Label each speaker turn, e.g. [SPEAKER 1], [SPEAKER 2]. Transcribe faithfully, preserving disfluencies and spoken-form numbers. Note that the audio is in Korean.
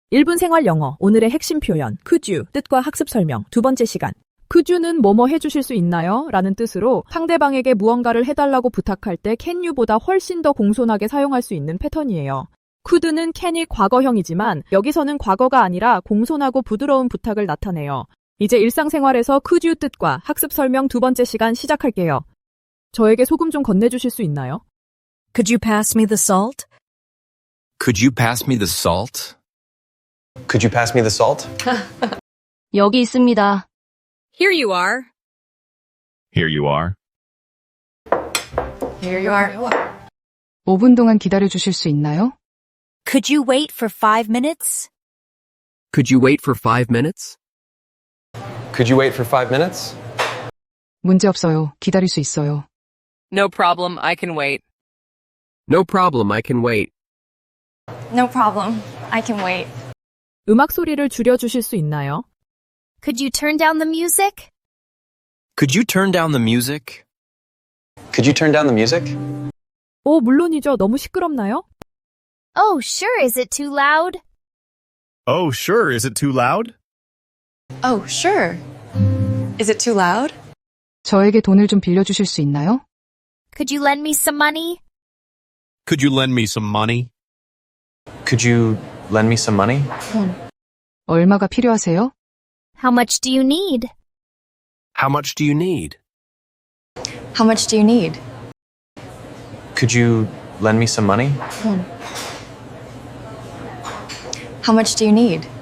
[SPEAKER 1] 일 분 생활 영어, 오늘의 핵심 표현, could you, 뜻과 학습 설명, 두 번째 시간. could you는 뭐뭐 해주실 수 있나요? 라는 뜻으로 상대방에게 무언가를 해달라고 부탁할 때 can you보다 훨씬 더 공손하게 사용할 수 있는 패턴이에요. could는 can이 과거형이지만 여기서는 과거가 아니라 공손하고 부드러운 부탁을 나타내요. 이제 일상생활에서 could you 뜻과 학습 설명 두 번째 시간 시작할게요. 저에게 소금 좀 건네주실 수 있나요?
[SPEAKER 2] Could you pass me the salt?
[SPEAKER 3] Could you pass me the salt?
[SPEAKER 4] Could you pass me the salt?
[SPEAKER 5] 여기 있습니다.
[SPEAKER 2] Here you are.
[SPEAKER 6] Here you are.
[SPEAKER 2] Here you are.
[SPEAKER 7] 오 분 동안 기다려 주실 수 있나요?
[SPEAKER 2] Could you wait for five minutes?
[SPEAKER 3] Could you wait for five minutes?
[SPEAKER 4] Could you wait for five minutes?
[SPEAKER 7] 문제 없어요. 기다릴 수 있어요.
[SPEAKER 8] No problem, I can wait.
[SPEAKER 3] No problem, I can wait.
[SPEAKER 9] No problem. I can wait.
[SPEAKER 1] 음악 소리를 줄여주실 수 있나요?
[SPEAKER 9] Could you turn down the music?
[SPEAKER 3] Could you turn down the music?
[SPEAKER 4] Could you turn down the music?
[SPEAKER 1] 오, 물론이죠. 너무 시끄럽나요?
[SPEAKER 9] Oh, sure. Is it too loud?
[SPEAKER 6] Oh, sure. Is it too loud?
[SPEAKER 10] Oh, sure. Is it too loud?
[SPEAKER 7] 저에게 돈을 좀 빌려주실 수 있나요?
[SPEAKER 9] Could you lend me some money?
[SPEAKER 6] Could you lend me some money?
[SPEAKER 4] Could you lend me some money?
[SPEAKER 7] 얼마가 필요하세요?
[SPEAKER 9] How much do you need?
[SPEAKER 3] How much do you need?
[SPEAKER 10] How much do you need?
[SPEAKER 4] Could you lend me some money?
[SPEAKER 10] How much do you need?